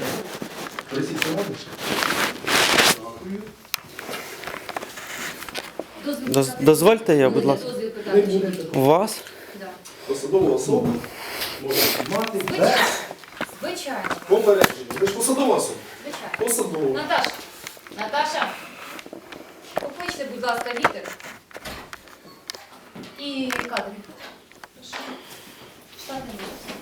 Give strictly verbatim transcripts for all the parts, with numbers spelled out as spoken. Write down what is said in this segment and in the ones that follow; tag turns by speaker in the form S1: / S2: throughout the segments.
S1: Присідьте, можеш? Дякую.
S2: Дозвіл
S3: Доз-
S2: питати.
S3: Дозвольте я, будь
S2: Будете
S3: ласка.
S2: дозвіл
S1: Не
S2: питати чи
S1: буде
S2: ні?
S1: такого.
S3: У вас?
S2: Да.
S1: Посадову особу можна знімати
S2: Звичайно.
S1: без
S2: Звичайно.
S1: попередження. Ви ж посадова особа.
S2: Звичайно.
S1: Посадова.
S2: Наташа, Наташа, покличте, будь ласка, вітер. І кадри. Штатний випуск.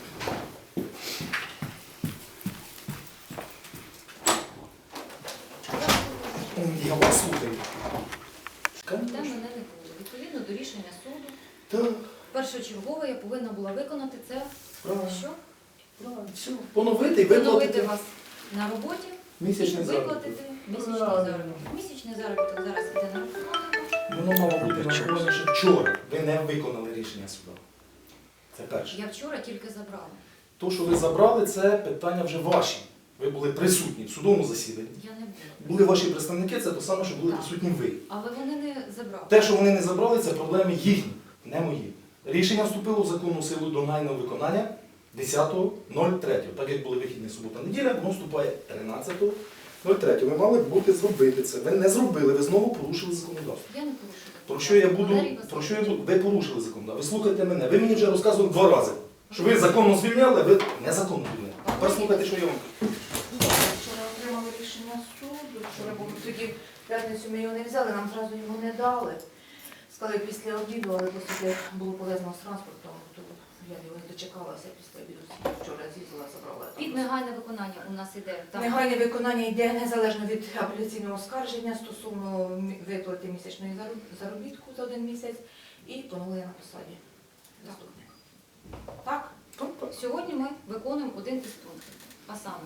S1: Я вас слухаю.
S2: Де мене не було. Відповідно до рішення суду,
S1: Так,
S2: першочергово я повинна була виконати це.
S1: правильно.
S2: Що?
S1: Правильно. Все. Поновити і
S2: Поновити
S1: виплатити
S2: вас на роботі
S1: місячний
S2: і
S1: заробіток.
S2: виплатити місячний
S1: Правильно.
S2: заробіток. Місячний заробіток зараз йде на рахунок.
S1: Воно мало бути нараховане, що вчора ви не виконали рішення суду. Це перше.
S2: Я вчора тільки забрала.
S1: То, що ви забрали, це питання вже ваші. Ви були присутні в судовому засіданні.
S2: Я не була.
S1: Були ваші представники, це те саме, що були
S2: Так.
S1: присутні ви.
S2: Але вони не забрали.
S1: Те, що вони не забрали, це проблеми їхні, не мої. Рішення вступило в законну силу до найного виконання десятого третього. Так як були вихідні субота-неділя, воно вступає тринадцятого третього. Ви мали бути зробити це. Ви не зробили, ви знову порушили законодавство.
S2: Я не порушила.
S1: Про що я буду,
S2: Валерій
S1: про що я
S2: Васильович.
S1: буду, ви порушили законодавство. Ви слухайте мене. Ви мені вже розказували два рази, що ви законно звільняли, ви незаконно звільняли. Тепер слухайте, що я вам кажу.
S4: Вчора отримали рішення суду, вчора був тоді в п'ятницю ми його не взяли, нам одразу його не дали. Сказали після обіду, але оскільки було пов'язано з транспортом, то я його не дочекалася після обіду. Вчора з'їздила, забрала.
S2: Під негайне виконання у нас іде. Там
S4: Негайне виконання йде незалежно від апеляційного оскарження стосовно мі- виплати місячної зароб- заробітку за один місяць і поновлення на посаді заступника. Так?
S2: Сьогодні ми виконуємо один із пунктів. А саме,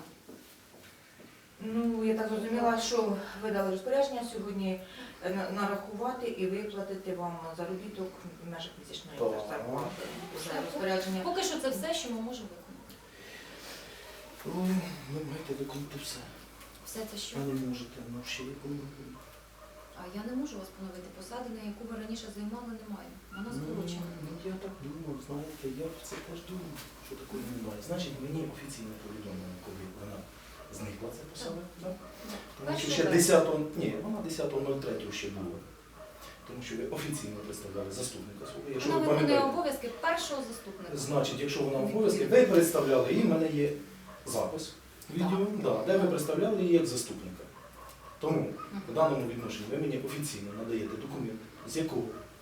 S4: Ну, я так зрозуміла, що ви дали розпорядження сьогодні е, на- нарахувати і виплатити вам заробіток в межах місячної
S1: Так.
S4: зарплати. Вже розпорядження.
S2: поки що це все, що ми можемо виконати.
S1: Ой, ви маєте виконати все.
S2: Все це що?
S1: Ви не можете, ну ще виконувати.
S2: А я не можу вас поновити. Посади, на яку ви раніше займали, немає. Вона скорочена.
S1: Ну, я так думав, знаєте, я це теж думав, що такого немає. Значить, мені офіційно повідомлено, коли вона зникла, ця посада. Так? Тому що
S2: Першого
S1: ще
S2: разу.
S1: десятого, ні, вона десятого третього ще була. Тому що ви офіційно представляли заступника свого. Якщо
S2: Вона
S1: ви
S2: виконує
S1: пам'ятаєте,
S2: обов'язки першого заступника.
S1: значить, якщо вона в обов'язки, ви представляли її, в мене є запис відео, да, де ви представляли її як заступника. Тому в даному відношенні ви мені офіційно надаєте документ, з якого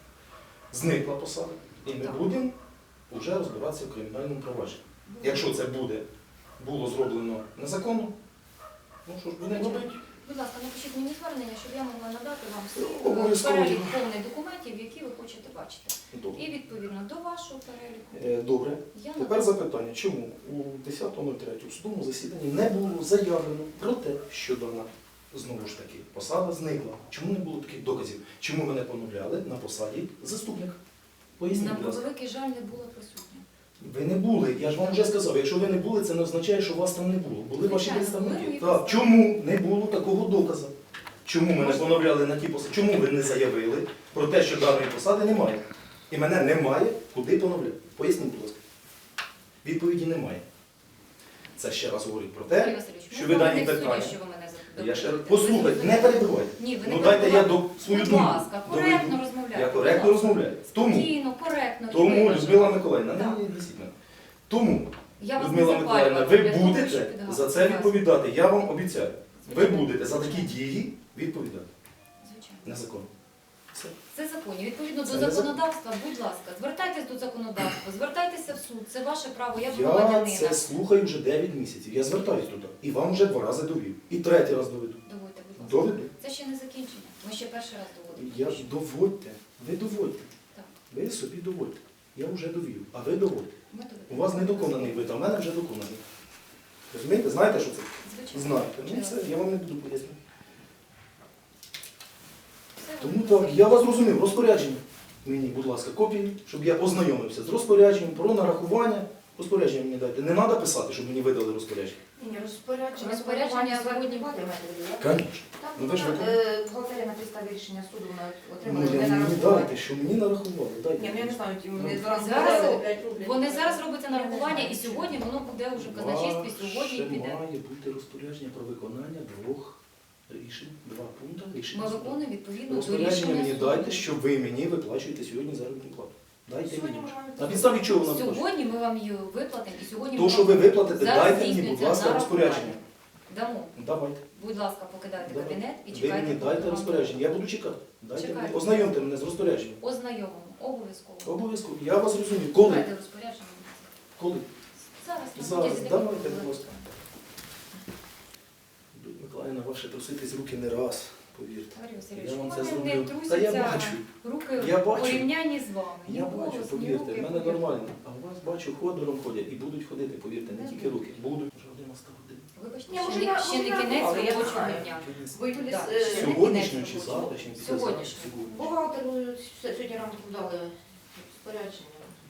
S1: зникла посада, і ми
S2: Так.
S1: будемо вже розбиратися в кримінальному провадженні. Якщо це буде, було зроблено незаконно, ну що ж будемо робити?
S2: Будь ласка, напишіть мені звернення, щоб я могла надати вам всі
S1: Ну, обов'язково.
S2: перелік повний документів, які ви хочете бачити.
S1: Добре.
S2: І відповідно до вашого переліку
S1: Е, Добре.
S2: я
S1: Тепер
S2: надам.
S1: запитання, чому у десятого третього в судовому засіданні не було заявлено про те, що дана, знову ж таки, посада зникла? Чому не було таких доказів? Чому мене поновляли на посаді заступника? Поясніть,
S2: На
S1: будь ласка.
S2: превеликий жаль не було присутня.
S1: Ви не були, я ж вам вже сказав, якщо ви не були, це не означає, що вас там не було. Були ваші
S2: Звичайно,
S1: представники.
S2: були мої
S1: Так,
S2: представники.
S1: чому не було такого доказу? Чому мене поновляли на ті посади? Чому ви не заявили про те, що даної посади немає? І мене немає, куди поновляти? Поясніть, будь ласка. Відповіді немає. Це ще раз говорить про
S2: Валерій
S1: те,
S2: Васильович,
S1: що
S2: ми
S1: ви
S2: з вами
S1: дані
S2: не в суді,
S1: питання.
S2: що ви мене запитуєте.
S1: Я ще раз
S2: Ви
S1: послухайте,
S2: зрозуміли?
S1: не перебивайте.
S2: Ні, ви не
S1: Ну дайте я
S2: перебивайте.
S1: до свою
S2: Будь
S1: думку.
S2: ласка,
S1: доведу.
S2: коректно розмовляйте.
S1: Я
S2: будь
S1: коректно
S2: ласка.
S1: розмовляю. Тому,
S2: Спокійно, коректно. і
S1: тому
S2: виважено.
S1: Людмила Миколаївна,
S2: Так.
S1: не вісіть мене. Тому,
S2: Я вас не
S1: Людмила Миколаївна,
S2: запалювала.
S1: ви
S2: для того,
S1: будете
S2: щоб підгадати
S1: за це
S2: вас.
S1: відповідати, я вам обіцяю. Ви
S2: Звичайно.
S1: будете за такі дії відповідати.
S2: Звичайно.
S1: Незаконно. Все.
S2: Це законні. Відповідно до
S1: Це не
S2: законодавства, будь ласка, звертайтесь до законодавства, звертайтеся в суд. Це ваше право, я
S1: Я
S2: громадянина.
S1: це слухаю вже дев'ять місяців. Я звертаюсь туди. І вам вже два рази довів. І третій раз доведу.
S2: Доводьте, будь ласка.
S1: Доведу.
S2: Це ще не закінчення. Ми ще перший раз доводимо.
S1: Я ж доводьте. Ви доводьте.
S2: Так.
S1: Ви собі доводьте. Я вже довів. А ви доводьте.
S2: Ми доведемо.
S1: У вас недоконаний вид, а в мене вже доконаний. Розумієте? Знаєте, що це?
S2: Звичайно.
S1: Знаєте. Ну
S2: Чудово.
S1: все, я вам не буду пояснювати.
S2: Все,
S1: Тому
S2: Валерій
S1: так, я вас зрозумів. Розпорядження. Мені, будь ласка, копії, щоб я ознайомився з розпорядженням про нарахування Розпорядження мені дайте. Не треба писати, щоб мені видали розпорядження.
S4: Ні, розпорядження.
S2: Розпорядження
S4: сьогодні
S2: сьогодні.
S4: плати маєте виділяти?
S1: Звісно.
S4: Там
S1: Ну, ви ж
S4: вона,
S1: виконуєте.
S4: е, бухгалтерія на підставі рішення суду вона
S1: Ну,
S4: отримала
S1: я
S4: не
S1: мені
S4: нарахування.
S1: дайте, що мені нарахували. Дайте.
S4: Ні, ну я не знаю, ті вони
S1: Ну,
S4: зараз
S2: Зараз
S4: видали п'ять рублів.
S2: Вони зараз робиться нарахування, і сьогодні воно буде вже в казначействі, сьогодні
S1: Ваше
S2: піде.
S1: має бути розпорядження про виконання двох рішень, два пункти рішення.
S2: Ми
S1: суду.
S2: виконуємо відповідно до
S1: Розпорядження
S2: рішення
S1: мені
S2: суду.
S1: дайте, що ви мені виплачуєте сьогодні заробітну плату. Дайте
S4: Сьогодні
S1: мені.
S4: ми маємо
S1: На підставі чого вона виплачує?
S2: Сьогодні ми вам її виплатимо, і сьогодні
S1: То, що ви виплатите,
S2: зараз
S1: дайте мені, будь
S2: здійснюється
S1: ласка,
S2: нарахування.
S1: розпорядження.
S2: Дамо.
S1: Давайте.
S2: Будь ласка, покидайте
S1: Давайте.
S2: кабінет і
S1: Ви
S2: чекайте.
S1: мені
S2: поки
S1: дайте
S2: вам
S1: розпорядження. Я буду чекати. Дайте
S2: Чекайте.
S1: мені. Ознайомте мене з розпорядженням.
S2: Ознайомимо. Обов'язково.
S1: Обов'язково. Я вас розумію. Коли?
S2: Чекайте розпорядження.
S1: Коли?
S2: Зараз. на
S1: Зараз.
S2: протязі
S1: Давайте,
S2: декількох
S1: будь ласка. Людмила Миколаївна, ваше труситись руки не раз, повірте.
S2: Валерій Васильович,
S1: Я вам
S2: у
S1: це
S2: мене не
S1: зроблю. Та я
S2: трусяться
S1: бачу.
S2: руки
S1: Я
S2: в
S1: бачу.
S2: порівнянні з вами. Ні
S1: Я бачу,
S2: голос, ні
S1: повірте,
S2: руки,
S1: в мене
S2: повірте.
S1: нормально. А у вас бачу, ходором ходять і будуть ходити, повірте, не
S2: Не
S1: тільки
S2: будуть.
S1: руки. Будуть. Вже один настав день.
S2: Вибачте,
S4: Ні,
S2: ще
S4: може,
S2: не-
S4: я-
S2: ще не
S4: може, я
S2: кінець
S4: але я
S2: робочого
S4: знаю.
S2: дня.
S4: Ви Юлі,
S2: Так,
S4: е,
S2: ще не
S1: Сьогоднішню
S2: кінець
S1: чи
S2: робочого.
S1: завтрашню? після
S2: Сьогоднішню.
S1: завтра?
S4: Бухгалтеру сьогодні ранку дали розпорядження.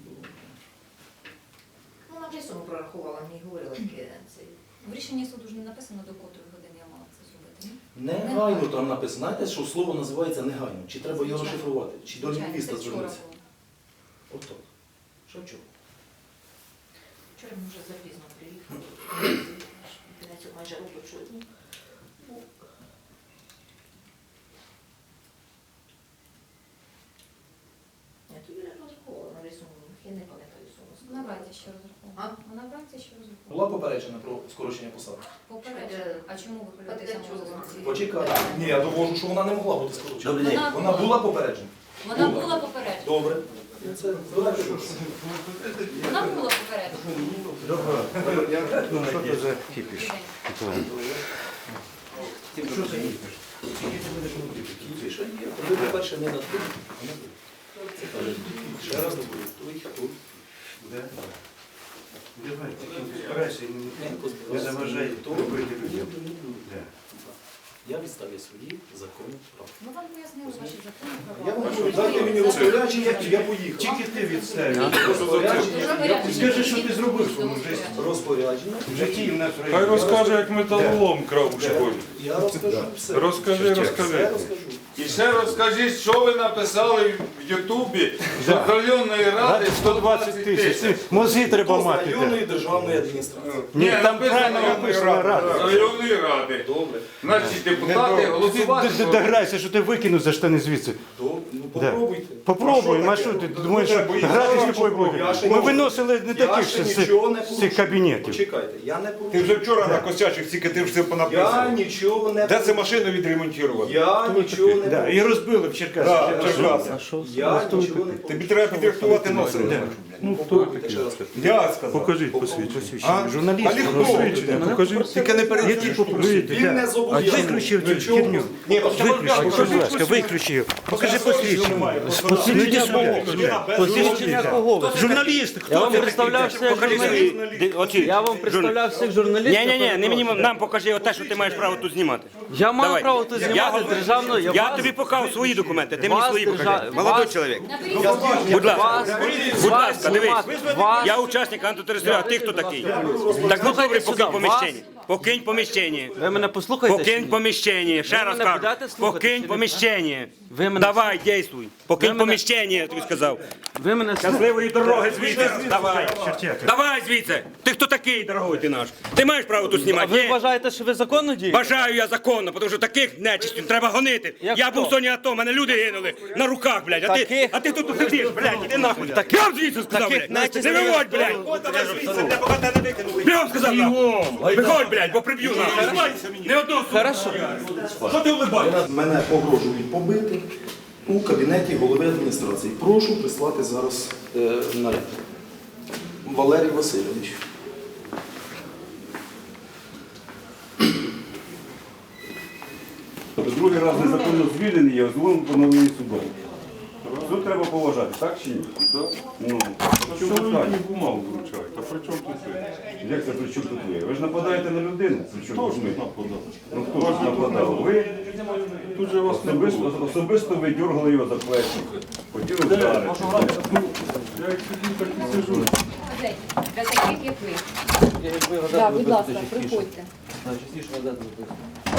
S4: Ну, на вже суму прорахувала, мені говорила таке. цей.
S2: В рішенні суду ж не написано, до котрої години я мала це зробити. ні?
S1: Негайно там написано. Знаєте, що слово називається негайно? Чи треба його
S2: Звичайно.
S1: розшифрувати? Чи до
S2: Звичайно,
S1: лінгвіста
S2: це вчора
S1: звернутися?
S2: було.
S1: Отак. Що вчора?
S4: Вчора ми вже запізно приїхали. На цю майже робочу дні. Я тобі не розраховувала на рисунку, я не пам'ятаю суму.
S2: На вранці ще розраховувала.
S4: А?
S2: А на вранці ще розраховувала.
S1: Була попереджена про скорочення посади?
S2: Попередження. А чому ви хвилюєтеся
S4: Попередження.
S2: на вулиці?
S1: Почекайте. Ні, я довожу, що вона не могла бути скорочена.
S2: Добрий день.
S1: Вона була попереджена?
S2: Вона
S1: Була.
S2: була попереджена.
S1: Добре. Це давайте.
S2: Вона була попереджена.
S3: Що це за кіпіш?
S1: Що це є? Кіпіш, а є. Ви, по-перше, не над тим, а над тим. Це каже, ще раз говорю, той, хто
S3: Давай, тільки збирайся,
S1: не
S3: не заважай
S1: то
S3: робити людям.
S1: Я відставлю свої законні права.
S2: Ми вам пояснили ваші закони
S1: Я
S2: права.
S1: вам кажу, дайте мені розпорядження, і я поїхав.
S3: Тільки ти відставиш.
S1: Розпорядження,
S3: Скажи, що ти зробив в своєму житті.
S1: розпорядження.
S3: В житті і в нас в
S5: Хай
S3: районі.
S5: розкаже, як металолом крав у школі.
S1: Я розкажу все.
S5: Розкажи,
S1: Все
S5: розкажи.
S1: розкажу.
S5: І ще розкажіть, що ви написали в Ютубі з районної ради
S3: сто двадцять тисяч. Мозги треба
S1: Хто з
S3: мати.
S1: районної державної адміністрації.
S3: Ні, там
S5: написано
S3: правильно
S5: районної
S3: написано
S5: ради.
S3: рада.
S5: Районної ради.
S1: Добре.
S5: Значить, депутати
S3: Ти
S5: голосувати.
S3: д- д- дограйся, що ти викинув за штани звідси.
S1: Добре. Ну
S3: Да.
S1: попробуйте.
S3: Попробуй, а що ти думаєш, що грати з тобою
S1: Я
S3: буде?
S1: ще
S3: Ми
S1: не-
S3: виносили не
S1: Я
S3: таких
S1: ще
S3: ще з
S1: нічого не
S3: цих- з
S1: порушую.
S3: цих кабінетів.
S1: Почекайте, я не
S6: Ти
S1: порушую.
S6: вже вчора на косячих тільки ти все
S1: Я
S6: понаписав.
S1: нічого не
S6: Де це
S1: порушую.
S6: машину відремонтувати?
S1: Я нічого не
S3: Да, і
S1: порушую.
S3: розбили в
S6: Да,
S3: Черкасах.
S6: Черкаси.
S1: Я нічого не
S6: Тобі
S1: порушую.
S6: треба підрихтувати носа.
S3: Ну,
S1: Попробуйте ще раз.
S6: Я сказав.
S3: Покажіть посвідчення.
S6: А?
S3: Журналіст,
S6: А легко.
S3: посвідчення, покажіть.
S6: Тільки не
S3: Які
S6: перейдіть.
S3: попробуйте,
S1: Він
S3: да.
S1: не
S3: А
S1: зобов'язаний.
S3: виключив цю
S1: Нічого.
S3: херню.
S1: Ні,
S3: Виключи, будь ласка, виключи його. Покажи посвідчення. Ну йди сюди. Посвідчення кого? Журналіст, хто
S7: Я вам
S3: ти
S7: представлявся як
S3: Покажи
S7: журналіст.
S3: свої- оці.
S7: Я вам представлявся як журналіст.
S8: Ні, ні, ні, не мені нам покажи те, що ти маєш право тут знімати.
S7: Я маю
S8: Давай.
S7: право тут
S8: Я-
S7: знімати державну.
S8: Я
S7: вас-
S8: тобі показав свої документи, ти мені
S7: вас
S8: свої покажи.
S7: держа-
S8: Молодой
S7: вас-
S8: чоловік.
S2: Наберіть
S8: Будь ласка,
S7: вас,
S8: будь
S7: вас
S8: ласка, дивись.
S7: знімати. Вас-
S8: Я учасник антитерористичного, а ти хто такий? Так ну добре, покинь поміщення. Покинь поміщення.
S7: Ви мене послухаєте? чи
S8: Покинь
S7: ні?
S8: поміщення. Ще
S7: Ви
S8: раз
S7: мене
S8: кажу.
S7: будете слухати чи
S8: Покинь
S7: ні?
S8: поміщення.
S7: Ви мене-
S8: Давай, дійствуй.
S7: Ви
S8: Покинь
S7: мене-
S8: поміщення, я тобі сказав.
S7: Ви мене слухаєте?
S8: Щасливої дороги звідси. Давай. Давай звідси. Ти хто такий, дорогой ти наш? Ти маєш право тут
S7: А
S8: знімати?
S7: ви
S8: Ні?
S7: вважаєте, що ви законно дієте?
S8: Бажаю я законно, тому що таких нечистів треба гонити.
S7: Як
S8: я
S7: хто?
S8: був в зоні АТО, мене люди гинули на руках, блядь. А ти,
S7: Таких?
S8: а ти тут сидиш, блядь, іди нахуй. Я вам звідси сказав,
S7: Таких
S8: блядь.
S7: нечистів-
S8: Не виводь, блядь. Я вам сказав, нахуй. Виходь, блядь, бо приб'ю нахуй. Не одного слова.
S7: Хорошо.
S8: Що ти улибаєшся?
S1: Мене погрожують побити у кабінеті голови адміністрації. Прошу прислати зараз е, наряд. Валерій Васильович.
S9: Другий раз незаконно звільнений, я озвонив поновлення судом. Суд треба поважати, так чи ні? Ну, в чому питання?
S5: бумагу вручають? А при чому тут ви?
S9: Як це при чому тут ви? Ви ж нападаєте на людину. При чому
S5: Хто ж
S9: ми?
S5: нападав?
S9: Ну хто ж нападав? Ви
S5: Тут же вас не
S9: особисто,
S5: було.
S9: особисто ви дергали його за плечі. Хотіли вдарити.
S5: Я як сидів, так і сижу.
S2: людей, для таких, як ви.
S7: Якби газету
S2: Так, будь ласка,
S7: виписати частіше.
S2: приходьте.
S7: Да, частіше газету виписати.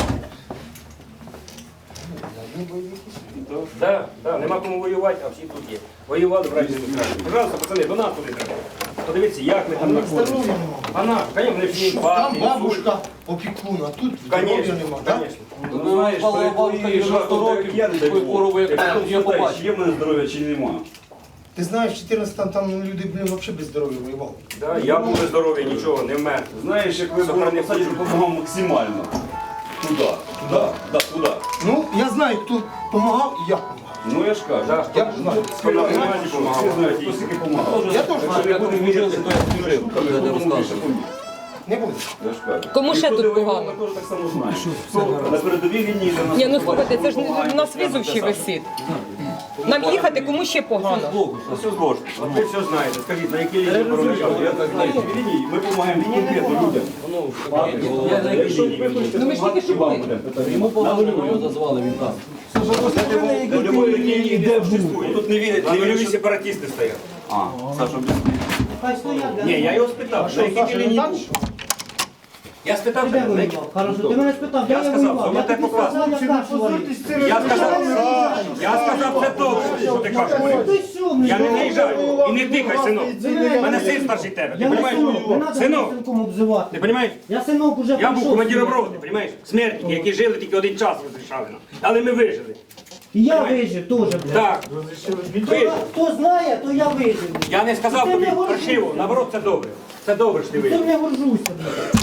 S8: Да, да, нема кому воювати, а всі тут є. Воювали в разі Україні. Пожалуйста, пацани, до нас туди треба. Подивіться, як ми там знаходимося. А на, звісно, вони всі
S10: Там
S8: партії,
S10: бабушка опікун, а тут здоров'я
S8: Конечно,
S10: нема, так?
S8: конечно.
S9: Ну, знаєш,
S3: Павло
S9: перед
S3: Павлович,
S9: твоєю
S3: дев'яносто
S9: жартом,
S3: років,
S9: як я не дай
S3: такою
S9: Бог.
S3: хворобою, як
S9: Якщо
S3: я, я
S9: спитаєш,
S3: побачив.
S9: є в мене здоров'я чи немає.
S10: Ти знаєш, в чотирнадцятому там люди, блін, взагалі без здоров'я воювали.
S8: Да, я був здоровий, нічого, не вмер.
S9: Знаєш, як ви були на посаді, допомагав максимально. Туди, туди, да, туди.
S10: Ну, я знаю, хто допомагав і як допомагав.
S9: Ну я ж кажу.
S8: Да.
S10: Я знаю.
S9: Хто на громаді помагав, всі знають, хто скільки помагав.
S10: Я теж знаю.
S3: Як ви вчилися, то я служив, то я не розказую.
S10: Не буде.
S9: Я ж кажу.
S11: Кому ще
S9: І хто
S11: тут
S9: де воював,
S11: погано?
S9: ми теж так само знаємо. Хто на передовій лінії за нас.
S11: Ні, ну
S9: допомагає,
S11: слухайте, це ж не
S9: допомагає,
S11: у нас
S9: прямо
S11: візов ще
S9: те саме.
S11: висить. Нам їхати кому ще погано.
S9: А все зложно. А ви все знаєте. Скажіть, на якій лінії проїжджали? Я так знаю, які лінії ми допомагаємо конкретно людям.
S3: Я на якій
S9: Якщо
S3: лінії
S9: ви хочете
S11: Ну, ми ж тільки що
S9: допомагати,
S11: були.
S9: вам будемо питати.
S3: Йому погано його зазвали, він там.
S9: На любой лінії не существує.
S8: Тут не вірять, не вірять, сепаратисти стоять.
S9: А, Саша,
S8: Ні, я його спитав, на якій ти лінії був? Я спитав, тебе, на якій-
S12: Хорошо, ти мене спитав,
S8: Я сказав, що ви так покласти. Я сказав, я сказав, це добре, що ти кажеш. Я не наїжджаю. І не тикай, синок. У мене син старший тебе. Ти
S12: Я не
S8: розумієш?
S12: синок, не треба
S8: Синок,
S12: синком обзивати.
S8: ти розумієш?
S12: Я синок уже
S8: Я був
S12: прийшов
S8: командиром
S12: сюди.
S8: роти, розумієш? Смертники, які жили тільки один час розрішали нам. Але ми вижили.
S12: І я вижив теж, блядь.
S8: Так, вижив.
S12: Хто знає, то я вижив.
S8: Я не сказав
S12: Ти
S8: тобі
S12: не горжуйся.
S8: паршиво, наоборот, це добре. Це добре, що ти
S12: Ти
S8: вижив.
S12: не горжуся, блядь.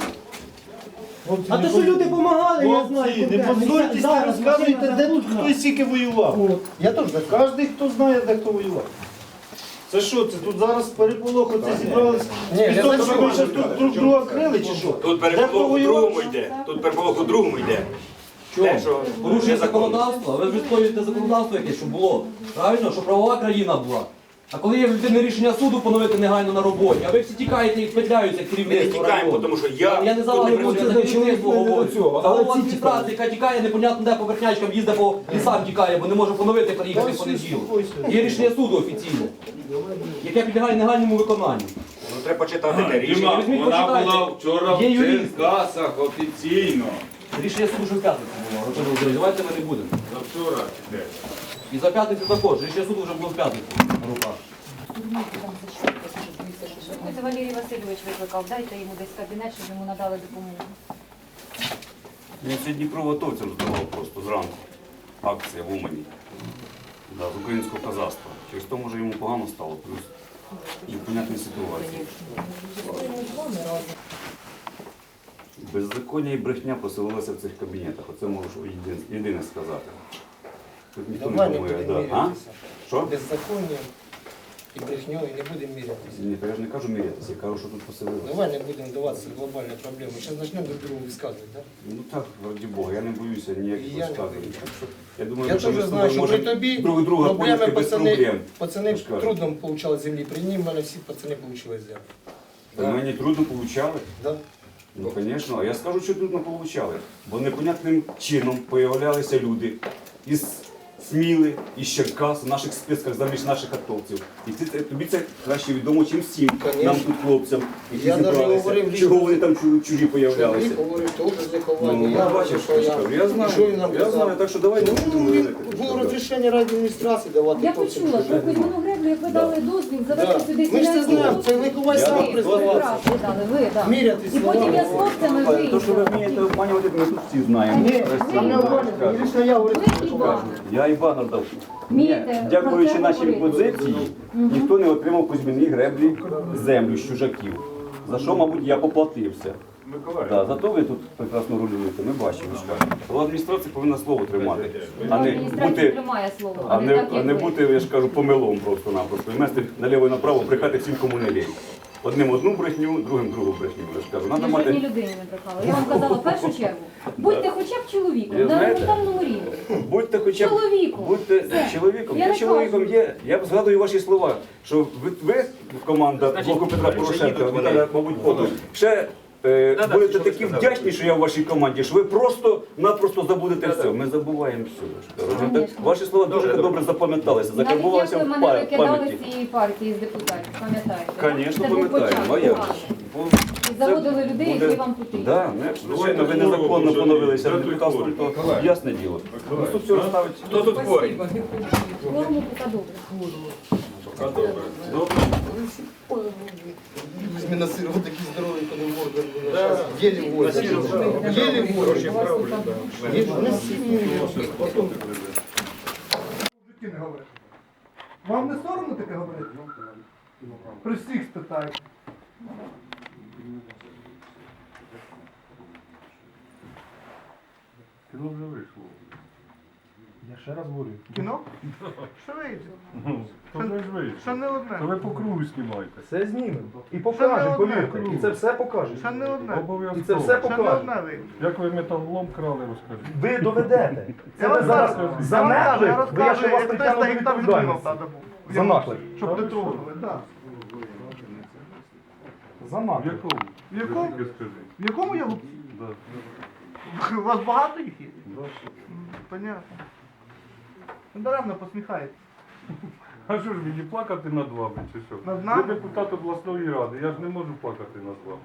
S12: А то, що люди допомагали, я знаю.
S10: Не
S12: конкретно.
S10: позорьтесь, не
S12: Зараз
S10: розказуйте,
S12: машина
S10: де тут
S12: загружена.
S10: хтось скільки воював.
S12: От.
S10: Я теж знаю. Кожен, хто знає, де хто воював. Це що, це тут зараз переполох, оце зібрались?
S1: Ні,
S10: І
S1: я
S10: то,
S1: знаю,
S10: що
S1: що
S10: ви
S1: ви
S10: ще тут друг друга крили, чи що?
S8: Тут
S10: Де хто
S8: переполох у
S10: воював?
S8: другому йде. Тут переполох у другому йде. Те, що
S3: Порушує
S8: незаконно.
S3: законодавство, ви ж відстоюєте законодавство якесь, щоб було. Правильно, щоб правова країна була. А коли є в людини рішення суду поновити негайно на роботі, а ви всі тікаєте і петляються
S8: Ми не
S3: керівництво
S8: тікаємо,
S3: району.
S8: тому що я
S3: Я не за
S8: тут
S3: вас
S8: не
S3: говорю, я
S8: працюю.
S3: за керівництво говорю.
S10: цього,
S3: За
S10: але
S3: голову
S10: ці
S3: адміністрації, яка тікає непонятно де по верхнячкам, їздить по лісам тікає, бо не може поновити приїхати в понеділок. Є рішення суду офіційне, яке підлягає негайному виконанню.
S8: Ну, треба почитати те рішення.
S5: Діма,
S3: візьміть,
S5: вона
S3: почитайте.
S5: була вчора в
S3: Є юрист.
S5: Черкасах офіційно.
S3: Рішення суду вже в п'ятницю було, Артем Володимирович, давайте ми не будемо.
S5: Завчора де?
S3: І за п'ятницю також, рішення суду вже було в п'ятницю на руках.
S2: Це Валерій Васильович викликав, дайте йому десь кабінет, щоб йому надали допомогу.
S9: Я сьогодні Дніпровотовцям здавав просто зранку. Акція в Умані. Да, з українського казацтва. Через то, може, йому погано стало, плюс непонятні ситуації. Беззаконня і брехня поселилися в цих кабінетах. Оце можу єдине, єдине сказати. Тут ніхто
S10: Давай
S9: не
S10: не
S9: думає,
S10: будемо
S9: да. А?
S10: мірятися.
S9: Що?
S10: Беззаконням і брехньою не будемо мірятися.
S9: Ні, то я ж не кажу мірятися, я кажу, що тут поселилися.
S10: Давай не будемо даватися в глобальні проблеми. Зараз почнемо друг другу висказувати, так?
S9: Ну так, раді Бога, я не боюся ніяких
S10: І я не
S9: розказів.
S10: боюся.
S9: Так що, Я думаю,
S10: Я
S9: ми
S10: теж
S9: з
S10: знаю,
S9: тобою
S10: що при
S9: можемо
S10: тобі
S9: друг друга
S10: проблеми
S9: поняти без
S10: пацани,
S9: проблем.
S10: пацани
S9: Я ж кажу.
S10: трудно получали землі. При ній в мене всі пацани получили землю.
S9: Та Мені трудно получали.
S10: Да?
S9: Ну, звісно, а я скажу, що трудно получали. Бо непонятним чином появлялися люди із Сміли, із Черкас, в наших списках заміж наших атовців. І це, тобі це краще відомо, чим всім
S10: Конечно.
S9: нам тут хлопцям, які
S10: Я навіть
S9: зібралися.
S10: говорив
S9: Чого
S10: лічно.
S9: вони там чу- чужі появлялися.
S10: Чоловік говорив теж з лиховання.
S9: Ну,
S10: я
S9: бачиш,
S10: що я,
S9: я, я знаю,
S10: що він нам
S9: я
S10: казав?
S9: знаю, так що давай не
S10: Ну,
S9: будемо
S10: він,
S9: говорити.
S10: було розрішення райадміністрації давати.
S2: Я
S10: хлопцям,
S2: почула,
S10: що
S2: що Кузьмину Греблю, як ви дали дозвіл,
S10: Да.
S2: завести сюди
S10: Ми ж це
S2: селянську
S10: знаємо, це Лиховай
S9: Я
S10: сам
S9: вам
S2: Ви
S10: признавався.
S2: прав, ви дали, ви, да.
S10: Мірятись
S2: І потім я з
S10: словами.
S2: хлопцями
S9: То, що ви
S2: виїхала.
S9: вмієте обманювати, ми тут всі знаємо.
S10: Ні, там не обманювати, лише я говорю.
S2: Ви і вам.
S9: Я і банер дав.
S2: Вмієте
S9: Дякуючи
S2: про це
S9: нашій
S2: говорити.
S9: позиції, ніхто не отримав Кузьмині Греблі землю з чужаків. За що, мабуть, я поплатився. Да, зато ви тут прекрасно рулюєте, ми бачимо. Але адміністрація повинна слово тримати, а не
S2: Адміністрація
S9: бути,
S2: тримає слово,
S9: а не,
S2: так,
S9: а
S2: як
S9: не
S2: ви.
S9: бути, я ж кажу, помилом просто-напросто. І вместе наліво і направо брехати всім, кому не лінь. Одним одну брехню, другим другу брехню. Я ж кажу,
S2: Я
S9: надо
S2: жодній
S9: мати...
S2: людині не брехала. Я вам казала в першу чергу, будьте хоча б чоловіком,
S9: Я
S2: на
S9: знаєте,
S2: елементарному рівні.
S9: Будьте хоча б
S2: Чоловіком.
S9: будьте
S2: Все.
S9: чоловіком.
S2: Я
S9: Я
S2: не
S9: чоловіком
S2: кажу.
S9: є. Я згадую ваші слова, що ви, ви команда
S8: Значить,
S9: блоку Петра
S8: вже
S9: Порошенка,
S8: їдуть вони.
S9: Віталія, мабуть, потім. Ще е,
S6: Да-да,
S9: будете
S6: що ви
S9: такі
S6: сказали.
S9: вдячні, що я в вашій команді, що ви просто-напросто забудете все. Ми забуваємо все.
S11: Конечно.
S9: Ваші слова дуже
S6: Добре,
S9: добре запам'яталися,
S11: Навіть
S9: закарбувалися
S11: як ви
S9: в
S11: мене
S9: па-
S11: викидали
S9: пам'яті.
S11: з цієї партії, з депутатів, пам'ятаєте?
S9: Звісно,
S11: Це був
S9: пам'ятаємо. А як
S11: початок.
S9: же? Бо
S11: І заводили
S9: це
S11: людей,
S9: буде-
S11: які вам потрібні.
S9: Да, ну, якщо, звичайно, ви незаконно поновилися в депутатство, то ясне діло. Ну, тут все розставить.
S6: Хто тут хворий?
S11: Форму поки добре.
S12: Зміна сиру такий здоровий, коли морда. Єлі возять. Єлі возять. Вам не соромно таке говорити? При всіх спитають.
S10: Кіно вже вийшло.
S12: Я ще раз говорю.
S10: Кіно? Що вийде? То вже ж вийшло.
S12: Ще не одне.
S10: То ви по кругу знімаєте.
S12: Все знімемо. І покажемо, повірте. І це все покаже.
S10: Ще не одне.
S12: І це все покаже.
S10: Як ви металолом крали, розкажіть.
S12: Ви доведете. Це ви зараз за наклик, бо я ще вас притягну до відповідальності. За наклик.
S10: Щоб не трогали.
S12: За
S10: В
S12: наклик.
S10: якому?
S12: В якому?
S10: Тільки скажіть.
S12: В якому я луп?
S10: Да.
S12: У вас багато їх є?
S10: Да.
S12: Понятно. Даремно посміхаєте.
S10: А що ж мені плакати над вами, чи що?
S12: Над нами?
S10: Ви депутат обласної ради, я ж не можу плакати над вами.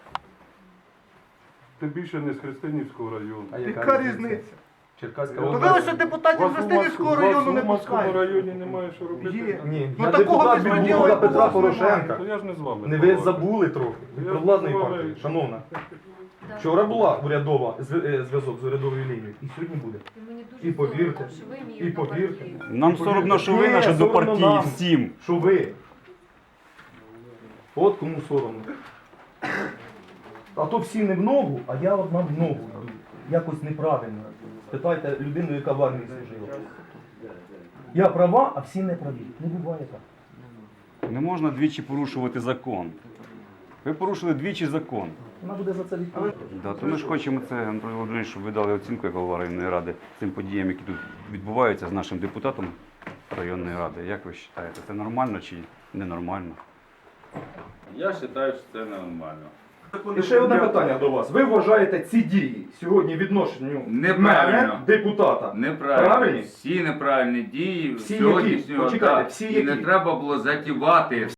S10: Тим більше не з Христинівського району.
S12: Яка різниця?
S3: Черкаська
S12: Ну
S3: область.
S12: ви що депутатів з Христинівського району не
S10: У Уманському
S12: пускають?
S10: районі немає що робити.
S12: Є.
S3: Ні,
S12: Ну
S3: я
S12: такого
S3: депутат від
S12: безпреділу,
S3: Бога
S12: як у
S3: Петра
S12: вас
S3: Порошенка.
S10: То я ж не з вами.
S3: Не ви
S10: балакаю.
S3: забули трохи. Від
S10: Я
S3: провладної
S10: розмовляю.
S3: партії, шановна.
S2: Да.
S3: Вчора була урядова зв- е, зв'язок з урядовою лінією, і сьогодні буде.
S2: І мені дуже
S3: І повірте,
S2: соромно, що ви мій
S3: і повірте.
S2: однопартієць.
S9: Нам соромно, що ви наші до партії всім.
S3: Що ви? От кому соромно. А то всі не в ногу, а я одна в ногу йду. Якось неправильно. Спитайте людину, яка в армії служила. Я права, а всі не праві. Не буває так.
S9: Не можна двічі порушувати закон. Ви порушили двічі закон.
S3: Вона буде за це відповідати.
S9: Да, то ми ж хочемо це, Анатолій Володимирович, щоб ви дали оцінку як голова районної ради цим подіям, які тут відбуваються з нашим депутатом районної ради. Як ви вважаєте, це нормально чи ненормально?
S5: Я вважаю, що це нормально.
S3: І ще одне питання до вас. Ви вважаєте ці дії сьогодні відношенню
S5: Неправильно.
S3: мене, депутата?
S5: Неправильно.
S3: Правильні?
S5: Всі неправильні дії
S3: Всі
S5: сьогоднішнього
S3: які? Почекайте,
S5: так.
S3: всі
S5: І не
S3: які?
S5: треба було затівати.